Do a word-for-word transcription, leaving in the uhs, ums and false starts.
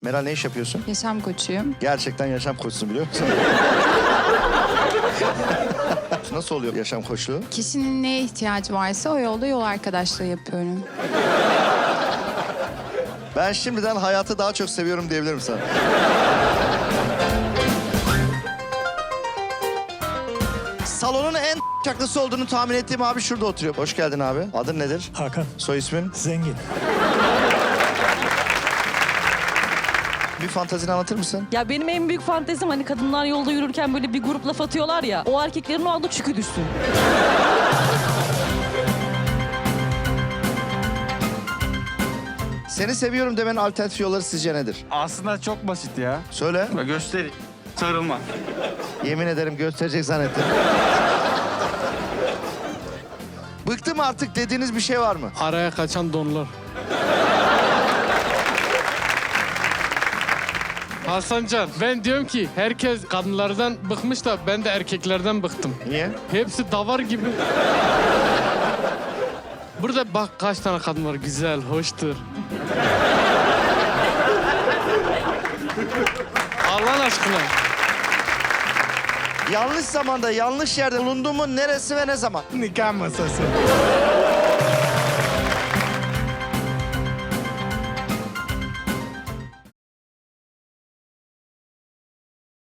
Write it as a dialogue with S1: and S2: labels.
S1: Meral ne iş yapıyorsun?
S2: Yaşam koçuyum.
S1: Gerçekten yaşam koçsun biliyor musun? Nasıl oluyor yaşam koçluğu?
S2: Kişinin neye ihtiyacı varsa o yolda yol arkadaşlığı yapıyorum.
S1: Ben şimdiden hayatı daha çok seviyorum diyebilirim sana. Salonun en çaklısı olduğunu tahmin ettiğim abi şurada oturuyor. Hoş geldin abi. Adın nedir?
S3: Hakan.
S1: Soy ismin?
S3: Zengin.
S1: Bir fantazini anlatır mısın?
S4: Ya benim en büyük fantezim hani kadınlar yolda yürürken böyle bir grup laf atıyorlar ya. O erkeklerin o anda çükü düşsün.
S1: Seni seviyorum demenin alternatif yolları sizce nedir?
S5: Aslında çok basit ya.
S1: Söyle.
S5: Bak göstereyim. Sarılma.
S1: Yemin ederim gösterecek zannettim. Bıktım artık dediğiniz bir şey var mı?
S6: Araya kaçan donlar. Hasancan, ben diyorum ki herkes kadınlardan bıkmış da ben de erkeklerden bıktım.
S1: Niye?
S6: Hepsi davar gibi. Burada bak kaç tane kadın var, güzel, hoştur. Allah aşkına.
S1: Yanlış zamanda, yanlış yerde bulundun mu neresi ve ne zaman?
S3: Nikah masası.